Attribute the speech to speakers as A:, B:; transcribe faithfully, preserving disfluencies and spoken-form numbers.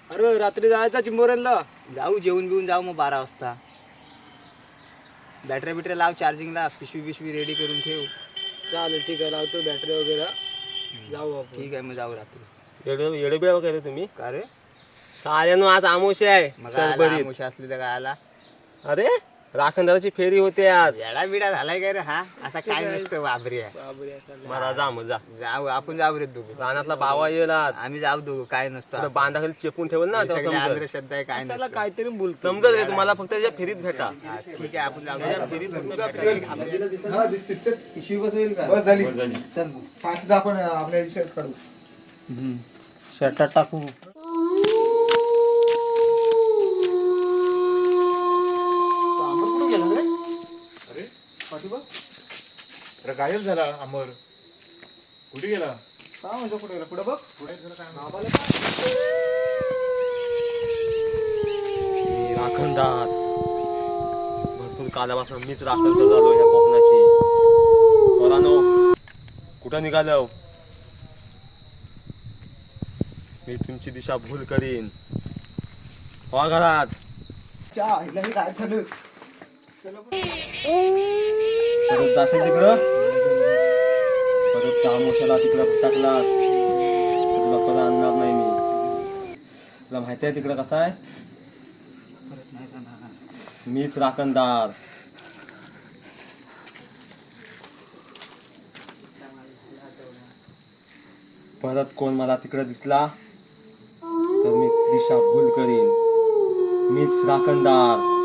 A: अरे रात्री जायचा चिंबोऱ्यांना.
B: जाऊ जेवून बिवून जाऊ मग बारा वाजता. बॅटरी बिटरी लाव चार्जिंगला, पिशवी पिशवी रेडी करून ठेव.
A: चालेल ठीक आहे, लावतो बॅटरी वगैरे. जाऊ आपण.
B: ठीक आहे मग जाऊ रात्री.
C: येडे येडे बिया वगैरे तुम्ही
B: का रे
C: साऱ्यानो आज आमोशे आहे
B: मग
C: सरभरीत.
B: आमुषा असली तर काय आला.
C: अरे राखणदाराची फेरी होते आज.
B: येडा बिडा झालाय काय रे हा, असा काय नसतं वाबरी आहे.
A: बाबरे आता.
C: मला जा मग जा.
B: जाऊ आपण जाऊ रे दोघं.
C: रानातला बावा येईल आज.
B: आम्ही जाऊ दोघं, काय नसतं
C: आता
B: असं.
C: बांधाखाली चेपून ठेवल ना
B: हे
C: तेव्हा
B: सगळे
C: समजल.
B: अंधश्रद्धा आहे, काय
A: त्याला
B: नसतं.
A: काहीतरी बोलतो.
C: समजल रे तुम्हाला, फक्त त्याच्या फेरीत भेटा.
B: हा, ठीक आहे आपण जाऊ.
C: फेरीत
B: पिशवी बसवेल का?
D: बस झाली चल फास्ट आपण आपल्या शर्ट काढू.
A: शर्टात टाकू.
D: अरे गायब झाला अमर. कुठे गेला? काय म्हणजे कुठे गेला? पुढे बघ. पुढे गेला काय?
C: राखणदार भरपूर कालापासून मीच राखण करत आलो ह्या कोकणाची. पोरांनो कुठं निघालो? मी तुमची दिशा भूल करीन. हो घरात
D: चहा हिला हे काय झालं?
C: परत जाशील तिकडं, परत त्या आमोशाला तिकडं टाकलास तुला परत आणणार नाही मी. तुला माहिती आहे तिकडं कसं आहे? मीच राखणदार. परत कोण मला तिकडं दिसला तर मी दिशा भूल करीन. मीच राखणदार.